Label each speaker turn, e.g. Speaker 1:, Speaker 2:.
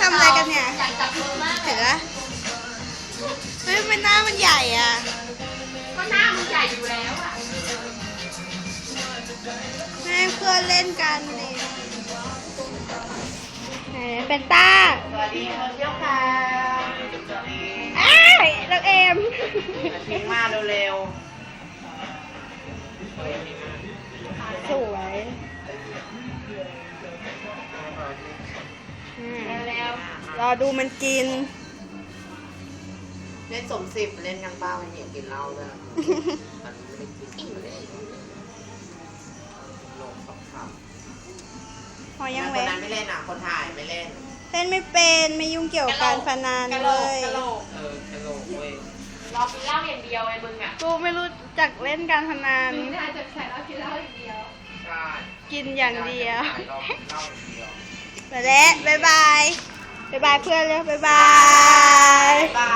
Speaker 1: ำอะไรกันเนี่ย
Speaker 2: อยากจับมือมาก
Speaker 1: เห็นไหมเฮ้ยมันหน้ามันใหญ่อ่ะ
Speaker 2: ก็หน้ามันใหญ่อยู่แล้วอ่ะ
Speaker 1: แม่เพื่อนเล่นกันนี่ไหนเป็นต้า
Speaker 3: สวัสดีคนเที่ยวค่ะ
Speaker 1: อ้ายน้องเอม
Speaker 3: ทิ้งมาเร็ว
Speaker 1: สวย
Speaker 2: แล้ว
Speaker 1: รอดูมันกิน
Speaker 3: ๆเล่นสมสิบเล่นกันบ้ามันเห็นกินเหล้าด้วยมันไม่ได้กินเลยลงสองคำ
Speaker 1: พอยัง
Speaker 3: ค
Speaker 1: เว้
Speaker 3: น
Speaker 1: ย
Speaker 3: นั้นไม่เล่นอ่ะคนถ่ายไม่เล่น
Speaker 1: เล่นไม่เป็นไม่ยุ่งเกี่ยวกับการพนัน
Speaker 2: กะโหล
Speaker 1: เล
Speaker 2: ก
Speaker 1: ย
Speaker 2: กะโหลก
Speaker 3: กระโหลกเว้ย
Speaker 2: รอกินเหล้าอย่างเดียวไอ้มึงอ่ะ
Speaker 1: กูไม่รู้จักเล่นการพนัน
Speaker 2: มึงน่าจะแข่เหล้ากินเหล้าอย่างเดียว
Speaker 3: ใช่
Speaker 1: กินอย่างเดียว
Speaker 3: เรากินเหล้าอย่างเดียว
Speaker 1: ไปแล้วบ๊ายบาย บ๊ายบายเพื่อนเลยบ๊ายบาย
Speaker 3: บ๊ายบาย